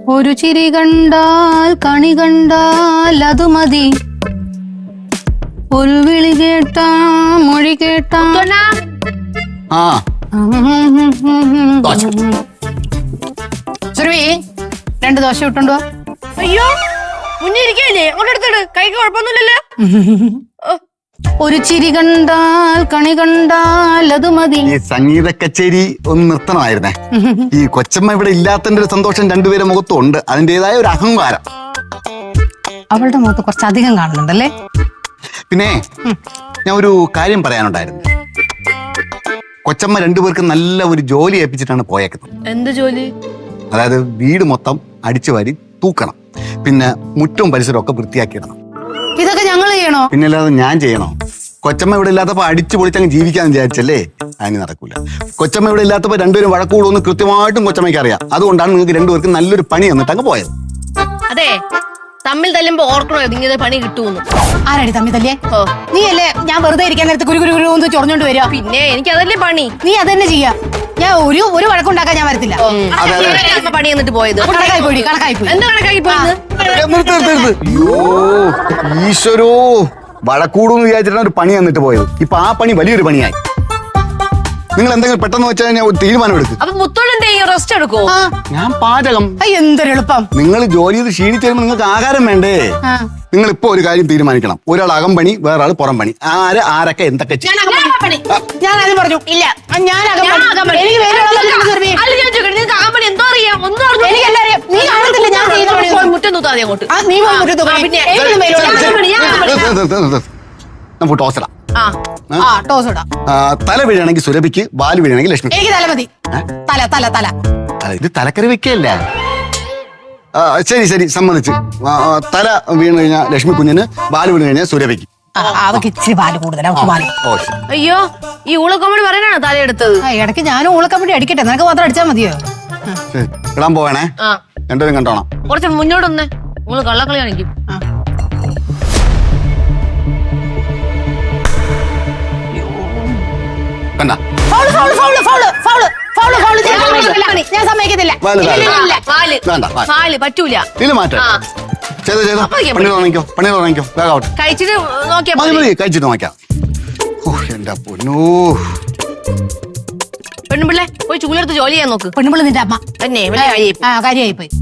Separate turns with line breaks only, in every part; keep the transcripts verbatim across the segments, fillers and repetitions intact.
ഒരു ചിരി കണ്ടാൽ കണി കണ്ടാൽ അത് മതി, ഒരു വിളി കേട്ടാ മൊഴി കേട്ടാ.
ആ
സുരഭി, രണ്ട് ദോശ ഇട്ടുണ്ടോ?
അയ്യോ, മുന്നേ ഇരിക്കല്ലേ, അങ്ങോട്ട് എടുത്തിട്ട്. കൈക്ക് കുഴപ്പമൊന്നുമില്ലല്ലോ.
ഒരു ചിരി കണ്ടാൽ കണി കണ്ടാൽ അത് മതി.
ഈ സംഗീത കച്ചേരി ഒന്ന് നിർത്തണമായിരുന്നേ. ഈ കൊച്ചമ്മ ഇവിടെ ഇല്ലാത്തതിന്റെ ഒരു സന്തോഷം രണ്ടുപേരെ മുഖത്തും ഉണ്ട്, അതിൻ്റെതായ ഒരു അഹങ്കാരം.
അവളുടെ മുഖത്ത് കുറച്ചധികം കാണുന്നുണ്ടല്ലേ.
പിന്നെ ഞാൻ ഒരു കാര്യം പറയാനുണ്ടായിരുന്നു. കൊച്ചമ്മ രണ്ടുപേർക്ക് നല്ല ഒരു ജോലി ഏൽപ്പിച്ചിട്ടാണ് പോയേക്കുന്നത്.
എന്ത് ജോലി?
അതായത് വീട് മൊത്തം അടിച്ചു വാരി തൂക്കണം, പിന്നെ മുറ്റവും പരിസരവും ഒക്കെ വൃത്തിയാക്കിയിടണം.
ഇതൊക്കെ ഞങ്ങൾ ചെയ്യണോ?
പിന്നെ അല്ലാതെ ഞാൻ ചെയ്യണോ? കൊച്ചമ്മ ഇവിടെ ഇല്ലാത്തപ്പോ അടിച്ചു പൊളിച്ചങ്ങ് ജീവിക്കാന്ന് വിചാരിച്ചല്ലേ? അതിന് നടക്കൂല. കൊച്ചമ്മ ഇവിടെ ഇല്ലാത്തപ്പോ രണ്ടുപേരും വഴക്കൂടുമെന്ന് കൃത്യമായിട്ടും കൊച്ചമ്മയ്ക്ക് അറിയാം. അതുകൊണ്ടാണ് നിങ്ങൾക്ക് രണ്ടുപേർക്ക് നല്ലൊരു പണി തന്നിട്ട് അങ്ങ് പോയത്.
അതെ, തമ്മിൽ തല്ലുമ്പോ ഓർക്കണോ ഇങ്ങനെ പണി കിട്ടുമെന്ന്?
ആരാടി തമ്മിൽ തല്ലേ? നീ അല്ലേ ഞാൻ വെറുതെ ഇരിക്കാൻ നേരത്ത് കുരു കുരു കുരു ചൊറഞ്ഞോണ്ട് വരിക.
പിന്നെ എനിക്ക് അതല്ലേ പണി.
നീ അതന്നെ ചെയ്യാ. ഞാൻ ഒരു ഒരു വഴക്കുണ്ടാക്കാൻ ഞാൻ വരത്തില്ല.
പണി എന്നിട്ട് പോയത്
കണക്കായി പോയി. കണക്കായി പോയി.
എന്താ കണക്കായി പോയത്?
ഈശ്വരോ, വഴക്കൂടുന്ന് വിചാരിച്ചിട്ടാണ് ഒരു പണി തന്നിട്ട് പോയത്. ഇപ്പൊ ആ പണി വലിയൊരു പണിയായി. നിങ്ങൾ എന്തെങ്കിലും പെട്ടെന്ന് വെച്ചാൽ ഞാൻ ഒരു തീരുമാനം എടുക്കും.
അപ്പൊ മുത്തോളെന്ത് ചെയ്യും? റെസ്റ്റ് എടുക്കോ?
ഞാൻ പാചകം.
എന്തൊരു എളുപ്പം.
നിങ്ങൾ ജോലി ചെയ്ത് ക്ഷീണിച്ച് വരുമ്പോൾ നിങ്ങൾക്ക് ആഹാരം വേണ്ടേ? നിങ്ങൾ ഇപ്പൊ ഒരു കാര്യം തീരുമാനിക്കണം. ഒരാൾ അകം പണി, വേറെ ആൾ പുറം പണി. ആര് ആരൊക്കെ എന്തൊക്കെ ചെയ്യും?
ഞാൻ ആദ്യം പറഞ്ഞു ഇല്ല. ഞാൻ
ടോസറ.
ടോസ്
തല വീഴണമെങ്കിൽ സുരഭിക്ക്, വാല് വീഴണമെങ്കിൽ ലക്ഷ്മി.
എനിക്ക് തല മതി. തല തല തല
ഇത് തലക്കറി വെക്കല്ല. ശരി ശരി, സമ്മതിച്ച്. തല വീണ് കഴിഞ്ഞാൽ ലക്ഷ്മി കുഞ്ഞിന്, വാല് വീണ് കഴിഞ്ഞാൽ സുരഭിക്ക്.
അവർക്ക് ഇച്ചിരി പാല് കൂടുതലാണ്.
അയ്യോ, ഈ ഊളക്കമ്പടി പറയാനാണ് തലയെടുത്തത്.
ഇടയ്ക്ക് ഞാനും ഊളക്കമ്പടി അടിക്കട്ടെ, നിനക്ക് മാത്രം അടിച്ചാൽ മതിയോ?
ഇടാൻ പോവേണേ, രണ്ടുപേരും കണ്ടോണം.
കുറച്ച് മുന്നോട്ടൊന്ന്. നിങ്ങള് കള്ളക്കളി കാണിക്കും.
കണ്ട
ഞാൻ സമ്മതിക്കത്തില്ല.
പറ്റൂല. കഴിച്ചിട്ട് നോക്കിയാ
കഴിച്ചിട്ട് നോക്കാം. എന്റെ പൊന്നോ,
പെണ്ണുപിള്ളേ പോയി ചൂലെടുത്ത് ജോലി ചെയ്യാൻ നോക്ക്.
പെണ്ണുപിള്ള നിന്റെ അമ്മ
തന്നെ വലിയ
കാര്യമായി പോയി.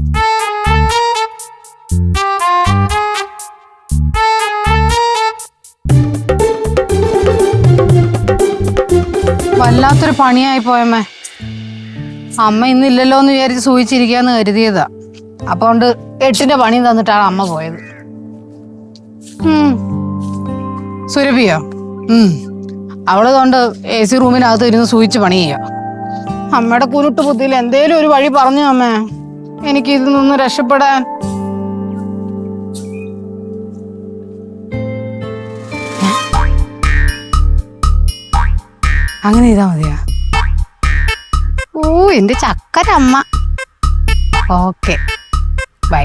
വല്ലാത്തൊരു പണിയായി പോയമ്മേ. അമ്മ ഇന്നില്ലല്ലോ എന്ന് വിചാരിച്ച് സൂചിച്ചിരിക്കാന്ന് കരുതിയതാ. അപ്പൊ കൊണ്ട് എട്ടിന്റെ പണി തന്നിട്ടാണ് അമ്മ പോയത്. സുരഭിയോ? ഉം അവള് കൊണ്ട് എ സി റൂമിനകത്ത് ഇരുന്ന് സൂചിച്ച് പണി ചെയ്യാം. അമ്മയുടെ കുരുട്ട് ബുദ്ധിയിൽ എന്തേലും ഒരു വഴി പറഞ്ഞു അമ്മേ, എനിക്ക് ഇതിൽ നിന്ന് രക്ഷപ്പെടാൻ. അങ്ങനെ ചെയ്താ മതിയാ? ഓ, എന്റെ ചക്കരമ്മ. Okay, by.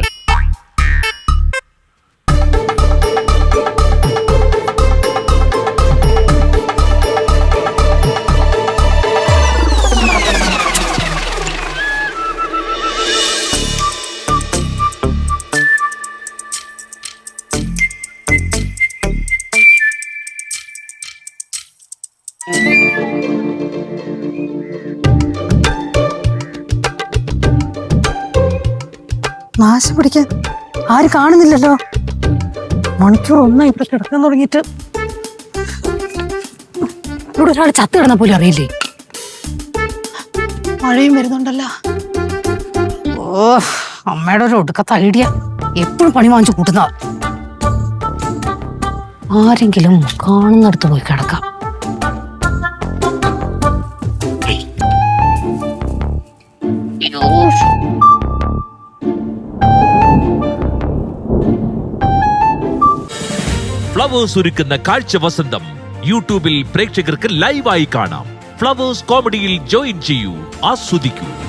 നാശം പിടിക്കാൻ ആരും കാണുന്നില്ലല്ലോ. മണിക്കൂർ ഒന്നായി ഇവിടെ കിടക്കാൻ തുടങ്ങിയിട്ട്. ഇവിടെ ഒരാൾ ചത്ത് കിടന്ന പോലും അറിയില്ലേ. മഴയും വരുന്നുണ്ടല്ലോ. ഓ, അമ്മയുടെ ഒരു ഒടുക്കത്തെ ഐഡിയ. എപ്പോഴും പണി വാങ്ങിച്ചു കൂട്ടുന്ന. ആരെങ്കിലും കാണുന്നിടത്ത് പോയി കിടക്കാം.
ഫ്ലവേഴ്സ് ഒരുക്കുന്ന കാഴ്ച വസന്തം യൂട്യൂബിൽ പ്രേക്ഷകർക്ക് ലൈവായി കാണാം. ഫ്ലവേഴ്സ് കോമഡിയിൽ ജോയിൻ ചെയ്യൂ, ആസ്വദിക്കൂ.